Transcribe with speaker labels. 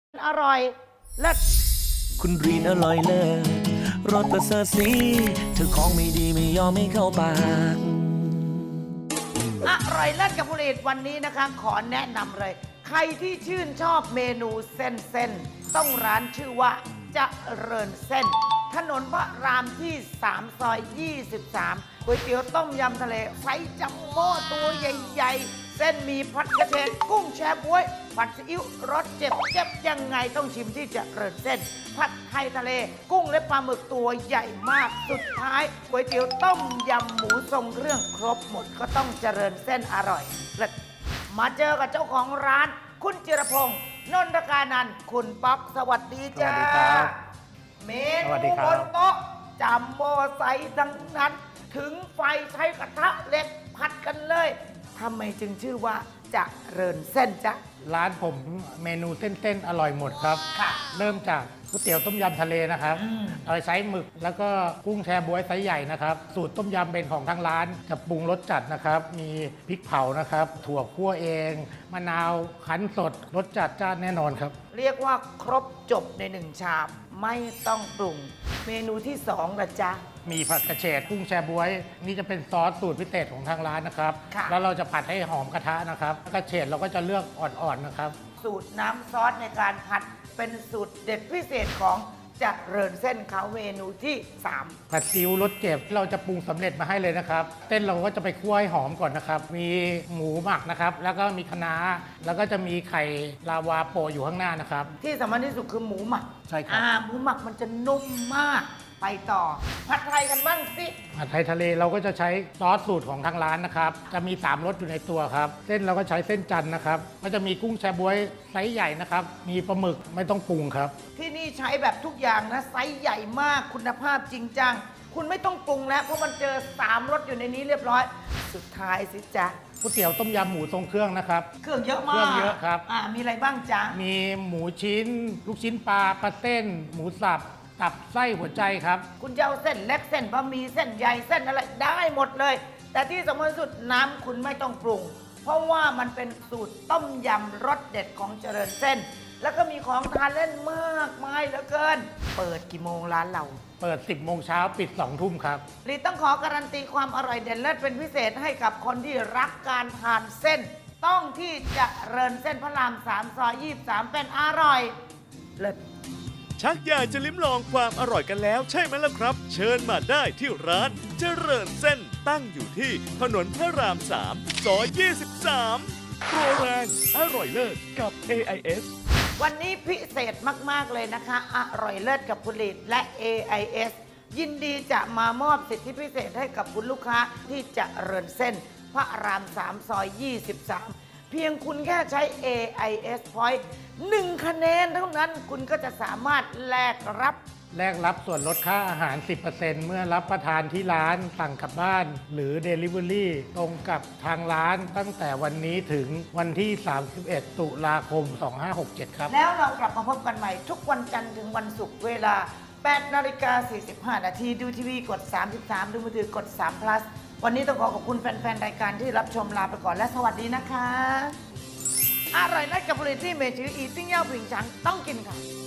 Speaker 1: อร่อยเลิศ
Speaker 2: คุณรีนอร่อยเลิศรสประเสริฐสีเธอของไม่ดีไม่ยอมไม่เข้าปาก
Speaker 1: อร่อยเลิศกับผลิตวันนี้นะคะขอแนะนำเลย ใครที่ชื่นชอบเมนูเส้นต้องร้านชื่อว่าเจริญเส้น ถนนพระรามที่ 3 ซอย 23ก๋วยเตี๋ยวต้มยำทะเลไซส์จัมโบ้ตัวใหญ่ๆ เส้นมีผัดกระเฉดกุ้งแช่บ๊วยผัดซีอิ๊วรสเจ็บยังไงต้องชิมที่เจริญเส้น ผัดไทยทะเลกุ้งและปลาหมึกตัวใหญ่มากสุดท้ายก๋วยเตี๋ยวต้มยำหมูทรงเครื่องครบหมดก็ต้องเจริญเส้นอร่อยเลิศมาเจอกับเจ้าของร้าน คุณจิรพงศ์นนทกานันท์คุณป๊อกสวัสดีจ้า
Speaker 3: สวัสดีครับ
Speaker 1: เม
Speaker 3: สวัสดี
Speaker 1: นู
Speaker 3: ครับ
Speaker 1: บนโต๊ะจัมโบ้ไซส์ทั้งนั้น ถึงไฟใช้กระทะเหล็กผัดกันเลยทำไมจึงชื่อว่าเจริญเส้นจ๊ะ
Speaker 3: ร้านผมเมนูเส้นๆอร่อยหมดครับ
Speaker 1: ค่ะ
Speaker 3: เริ่มจากก๋วยเตี๋ยวต้มยำทะเลนะครับเอาไซส์หมึกแล้วก็กุ้งแชบ๊วยไซส์ใหญ่นะครับ สูตรต้มยำเป็นของทางร้านจะปรุงรสจัดนะครับ มีพริกเผานะครับ ถั่วคั่วเอง มะนาวคั้นสดรสจัดจ้านแน่นอนครับ
Speaker 1: เรียกว่าครบจบในหนึ่งชามไม่ต้องปรุง เมนูที่สองละจ๊ะ
Speaker 3: มีผัดกระเฉดกุ้งแชบ๊วย นี่จะเป็นซอสสูตรพิเศษของทางร้านนะครับ
Speaker 1: ค่ะ
Speaker 3: แล้วเราจะผัดให้หอมกระทะนะครับกระเฉดเราก็จะเลือกอ่อนๆนะครับ
Speaker 1: สูตรน้ำซอสในการผัดเป็นสูตรเด็ดพิเศษของเจริญเส้นเขาเมนูที่ 3
Speaker 3: ผัดซีอิ๊วรสเจ็บเราจะปรุงสำเร็จมาให้เลยนะครับเส้นเราก็จะไปคั่วให้หอมก่อนนะครับ มีหมูหมักนะครับ แล้วก็มีคะน้าแล้วก็จะมีไข่ลาวาโปะอยู่ข้างหน้านะครับ
Speaker 1: ที่สำคัญที่สุดคือหมูหมัก
Speaker 3: ใช่ครับ
Speaker 1: หมูหมักมันจะนุ่มมากไปต่อ ผัดไทยกันบ้างสิ
Speaker 3: ผัดไทยทะเลเราก็จะใช้ซอสสูตรของทางร้านนะครับ จะมี3รสอยู่ในตัวครับ เส้นเราก็ใช้เส้นจันทร์นะครับ ก็จะมีกุ้งแชบ๊วยไซส์ใหญ่นะครับ มีปลาหมึกไม่ต้องปรุงครับ
Speaker 1: ที่นี่ใช้แบบทุกอย่างนะไซส์ใหญ่มากคุณภาพจริงจัง คุณไม่ต้องปรุงแล้วเพราะมันเจอ3รสอยู่ในนี้เรียบร้อย สุดท้ายสิจ๊ะ
Speaker 3: ก๋วยเตี๋ยวต้มยำหมูทรงเครื่องนะครับ
Speaker 1: เครื่องเยอะมาก
Speaker 3: เครื่องเยอะครับ
Speaker 1: มีอะไรบ้างจ๊ะ
Speaker 3: มีหมูชิ้น ลูกชิ้นปลาปลาเต้น หมูสับตับไส้หัวใจครับ
Speaker 1: คุณจะเอาเส้นเล็กเส้นบะหมี่เส้นใหญ่เส้นอะไรได้หมดเลย แต่ที่สำคัญสุดน้ำคุณไม่ต้องปรุง เพราะว่ามันเป็นสูตรต้มยำรสเด็ดของเจริญเส้น แล้วก็มีของทานเล่นมากมายเหลือเกิน เปิดกี่โมงร้านเรา
Speaker 3: เปิด 10 โมงเช้าปิด 2 ทุ่มครับ
Speaker 1: ลีต้องขอการันตีความอร่อยเด่นเลิศเป็นพิเศษให้กับคนที่รักการทานเส้น ต้องที่เจริญเส้นพระราม 3 ซอย 23 เป็นอร่อยเลิศ
Speaker 4: ชักอยากจะลิ้มลองความอร่อยกันแล้วใช่ไหมล่ะครับ เชิญมาได้ที่ร้านเจริญเส้นตั้งอยู่ที่ถนนพระราม 3 ซอย 23 โปรแรงอร่อยเลิศกับ AIS
Speaker 1: วันนี้พิเศษมาก ๆ เลยนะคะ อร่อยเลิศกับผลิตและ AIS ยินดีจะมามอบสิทธิพิเศษให้กับคุณลูกค้าที่จะเริญเส้นพระราม 3 ซอย 23 เพียงคุณแค่ใช้ AIS Point 1 คะแนนเท่านั้นคุณก็จะสามารถแลกรับ
Speaker 3: แลกรับส่วนลดค่าอาหาร 10% เมื่อรับประทานที่ร้านสั่งกลับบ้าน หรือ Delivery ตรงกับทางร้านตั้งแต่วันนี้ถึงวันที่ 31 ตุลาคม 2567 ครับ
Speaker 1: แล้วเรากลับมาพบกันใหม่ทุกวันจันทร์ถึงวันศุกร์เวลา 8:45 นาทีดูทีวีกด 33 ดูมือถือกด3 plus วันนี้ต้องขอขอบคุณแฟน ๆ รายการที่รับชมลาไปก่อนและสวัสดีนะคะ อร่อยนัดกับผลิตที่เมจืออีติ้งเย่าผิงฉังต้องกินค่ะ